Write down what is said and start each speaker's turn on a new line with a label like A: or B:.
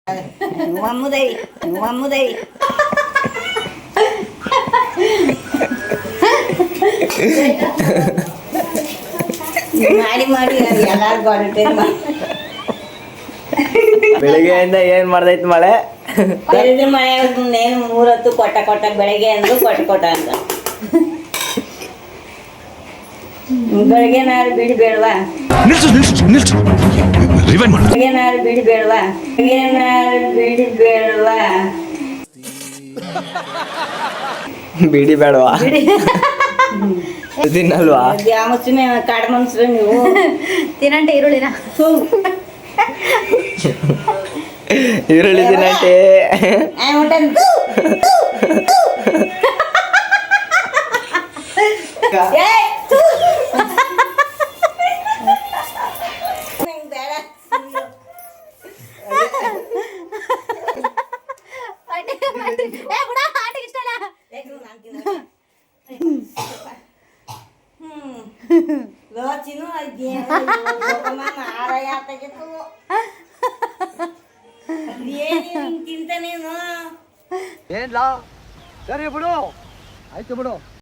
A: Mamudai, mamudai. ಮಾಡಿ ಎಲ್ಲಾರು ಬರುತ್ತೆ.
B: ಬೆಳಿಗ್ಗೆಯಿಂದ ಏನ್ ಮಾಡ್ದೈತ್ ಮಳೆ?
A: ಮಳೆ ಏನು 3 ಹೊತ್ತು ಕೊಟ್ಟ ಬೆಳಗ್ಗೆ ಅಂದ್ರು ಕೊಟ್ಟ ಅಂತ. ಬೆಳಗ್ಗೆ ನಾರು ಬಿಡಿ ಬೇಡವಾ? ಬೆಳಗ್ಗೆ ನಾರು ಬಿಡಿ ಬೇಡವಾ?
B: ಬಿಡಿ ಬೇಡವಾ? ತಿನ್ನಲ್ವಾ?
A: ಯಾವ ಮುಸ್ಲಿಮೆ ಕಾಡು ಮನುಷ್ಯರು ನೀವು
C: ತಿನ್ನಂಟೆ ಈರುಳ್ಳಿನ
B: ಈರುಳ್ಳಿ ತಿನ್ನಂಟೆ
A: ತಿಂತಾನೇನು
B: ಏನ್ಲಾ? ಸರಿ ಬಿಡು, ಆಯ್ತು ಬಿಡು.